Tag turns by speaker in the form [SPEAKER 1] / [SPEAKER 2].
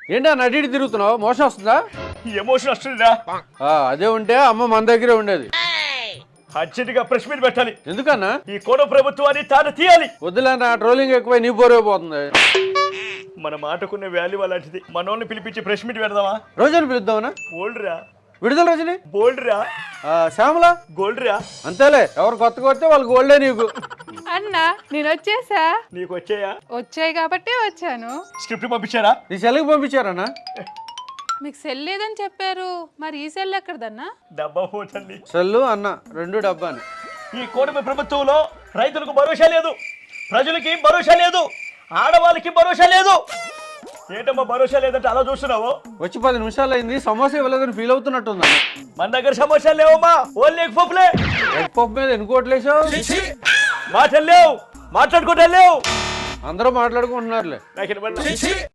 [SPEAKER 1] ఏంటా నటి తిరుగుతున్నావు? మోసం వస్తుందా?
[SPEAKER 2] ఎమోషన్ వస్తుందా?
[SPEAKER 1] అదే ఉంటే అమ్మ మన దగ్గరే ఉండేది.
[SPEAKER 2] అర్జెంటుగా ప్రెస్ మీట్ పెట్టాలి.
[SPEAKER 1] ఎందుకన్నా?
[SPEAKER 2] ఈ కోడ ప్రభుత్వాన్ని తాట తీయాలి.
[SPEAKER 1] వద్దులేనా, ట్రోలింగ్ ఎక్కువై నీ బోరైపోతుంది.
[SPEAKER 2] మన మాటకున్న వాల్యూ అలాంటిది. మనోళ్ళని పిలిపించి ప్రెస్ మీట్ పెడదామా?
[SPEAKER 1] రోజుని పిలుద్దామనా?
[SPEAKER 2] గోల్డ్ రా.
[SPEAKER 1] విడుదల రోజుని
[SPEAKER 2] గోల్డ్ రా.
[SPEAKER 1] శ్యామల
[SPEAKER 2] గోల్డ్ రా.
[SPEAKER 1] అంతేలే, ఎవరు కొత్త కొడితే వాళ్ళు గోల్డే నీకు.
[SPEAKER 3] అన్నా నేను వచ్చేసా.
[SPEAKER 2] నీకు వచ్చాయా?
[SPEAKER 3] వచ్చాయి కాబట్టి వచ్చాను.
[SPEAKER 2] స్క్రిప్ట్ పంపించారా?
[SPEAKER 1] నీ సెల్కి పంపించారన్నా?
[SPEAKER 3] మీకు సెల్ లేదని చెప్పారు, మరి ఈ సెల్ ఎక్కడదన్నా?
[SPEAKER 2] డబ్బా పోతుంది.
[SPEAKER 1] సెల్లు అన్న రెండు డబ్బాని.
[SPEAKER 2] ఈ కూటమి ప్రభుత్వంలో రైతులకు భరోసా లేదు, ప్రజలకి భరోసా లేదు, ఆడవాళ్ళకి భరోసా లేదు. ఏంటమ్మా భరోసా లేదంటే అలా చూస్తున్నావు?
[SPEAKER 1] వచ్చి 10 నిమిషాలు అయింది, సమోసా ఇవ్వలేదని ఫీల్ అవుతున్నట్టుందా?
[SPEAKER 2] మన దగ్గర సమస్యలు లేవమ్మా, ఓన్లీ ఎగ్ పప్పులే.
[SPEAKER 1] ఎగ్ పప్పు మీద ఎన్ని కోట్లేసావు?
[SPEAKER 2] మాటలు లేవు, మాట్లాడుకుంటా లేవు.
[SPEAKER 1] అందరూ మాట్లాడుకుంటున్నారులే.
[SPEAKER 2] నాకు